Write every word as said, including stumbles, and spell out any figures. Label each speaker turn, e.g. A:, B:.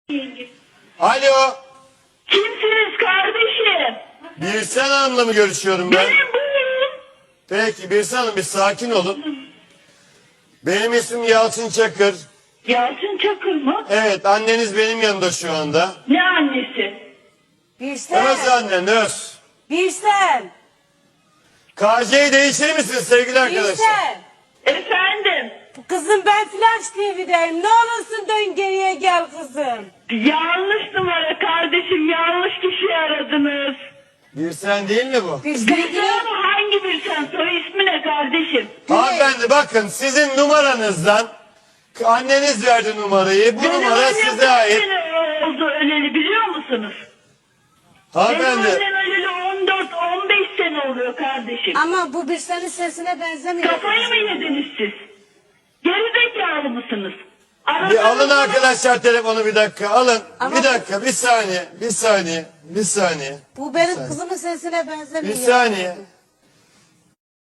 A: Alo.
B: Kimsiniz kardeşim?
A: Birsen Hanım'la mı görüşüyorum ben?
B: Benim buyurun.
A: Peki Birsen Hanım bir sakin olun. Benim ismim Yalçın Çakır.
B: Yalçın Çakır mı?
A: Evet, anneniz benim yanımda şu anda.
B: Ne annesi?
C: Birsen.
A: Öz annen, öz.
C: Birsen.
A: K J'yi değiştirir misiniz sevgili arkadaşlar?
C: Birsen.
B: Efendim?
C: Kızım ben Flash T V'deyim. Ne olursun dön geriye gel kızım.
B: Yanlış numara kardeşim. Yanlış kişi aradınız.
A: Birsen değil mi bu?
C: Birsen
B: Bir
C: değil.
B: sen hangi bir sen? Soy ismi ne kardeşim?
A: Hanımefendi bakın sizin numaranızdan anneniz verdi numarayı. Bu
B: Benim
A: numara
B: annem
A: size
B: kaç
A: ait.
B: sene oldu öleli biliyor musunuz? Benim
A: Hanımefendi
B: annem öleli on dört on beş sene oluyor kardeşim.
C: Ama bu Birsen'in sesine benzemiyor.
B: Kafayı mı yediniz siz? Gerizekalı mısınız?
A: bir alın
B: Aradığınız
A: arkadaşlar telefonu bir dakika alın.
C: Ama-
A: Bir dakika bir saniye bir saniye bir saniye.
C: Bu benim kızımın sesine benzemiyor.
A: Bir saniye.